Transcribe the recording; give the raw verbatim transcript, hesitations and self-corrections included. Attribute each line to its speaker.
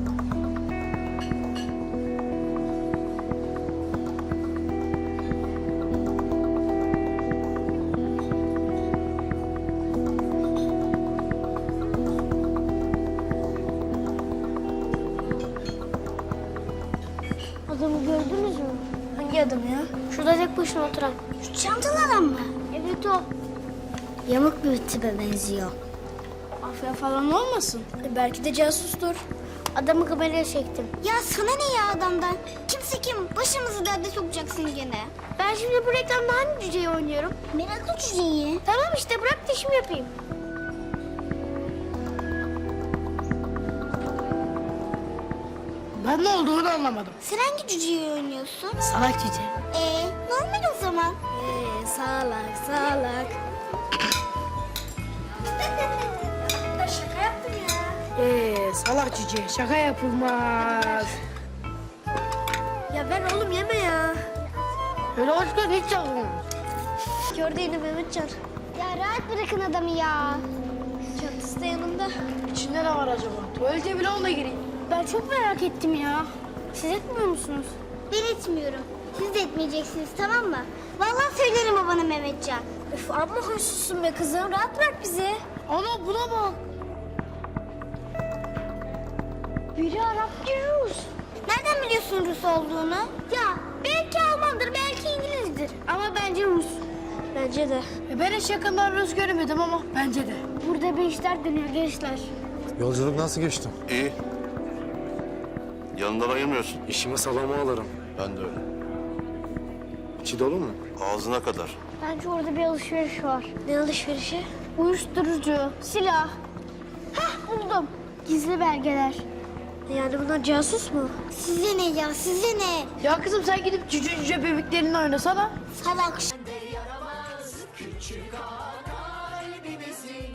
Speaker 1: Adamı gördünüz mü?
Speaker 2: Hangi adam ya?
Speaker 1: Şurada tek başına oturan.
Speaker 2: Şu çantalı adam mı?
Speaker 1: Evet o.
Speaker 2: Yamuk bir tipe benziyor.
Speaker 1: Afya falan olmasın?
Speaker 2: E, belki de casustur.
Speaker 1: Adamı kameraya çektim.
Speaker 2: Ya sana ne ya adamdan? Kimse kim? Başımızı derde sokacaksın gene.
Speaker 1: Ben şimdi bu reklamda hangi cüceyi oynuyorum?
Speaker 2: Meraklı cüceyi.
Speaker 1: Tamam işte bırak da işimi yapayım.
Speaker 3: Ben ne olduğunu anlamadım.
Speaker 2: Sen hangi cüceyi oynuyorsun?
Speaker 3: Salak cüce.
Speaker 2: Ee, normal o zaman.
Speaker 1: Ee, salak salak.
Speaker 2: Şaka yaptım ya.
Speaker 3: Ee, salak cüce. Şaka yapılmaz.
Speaker 1: Ya ver oğlum yeme ya.
Speaker 3: Öyle hoşgör hiç yapılmaz.
Speaker 1: Gördü yine Mehmetcan.
Speaker 2: Ya rahat bırakın adamı ya.
Speaker 1: Çatısı da yanında.
Speaker 3: İçinde ne var acaba? Tuvalete bile onunla gireyim.
Speaker 1: Ben çok merak ettim ya. Siz etmiyor musunuz?
Speaker 2: Ben etmiyorum. Siz de etmeyeceksiniz tamam mı? Vallahi söylerim babana Mehmetcan.
Speaker 1: Üf amma hoşsuzsun be kızım. Rahat bırak bizi.
Speaker 3: Ana buna bak.
Speaker 1: Biri Arap, biri Rus.
Speaker 2: Nereden biliyorsun Rus olduğunu?
Speaker 1: Ya belki Almandır, belki İngilizdir. Ama bence Rus. Bence de.
Speaker 3: E, ben hiç yakından Rus göremedim ama bence de.
Speaker 1: Burada bir işler dönüyor gençler.
Speaker 4: Yolculuk nasıl geçti?
Speaker 5: İyi. Yanından ayırmıyorsun.
Speaker 4: İşimi salama alırım.
Speaker 5: Ben de öyle.
Speaker 4: İçi dolu mu?
Speaker 5: Ağzına kadar.
Speaker 1: Bence orada bir alışveriş var. Ne alışverişi? Uyuşturucu, silah. Hah buldum. Gizli belgeler. Yani bunlar casus mu?
Speaker 2: Size ne ya size ne?
Speaker 3: Ya kızım sen gidip cüce cüce bebeklerini oynasana.
Speaker 2: Salak.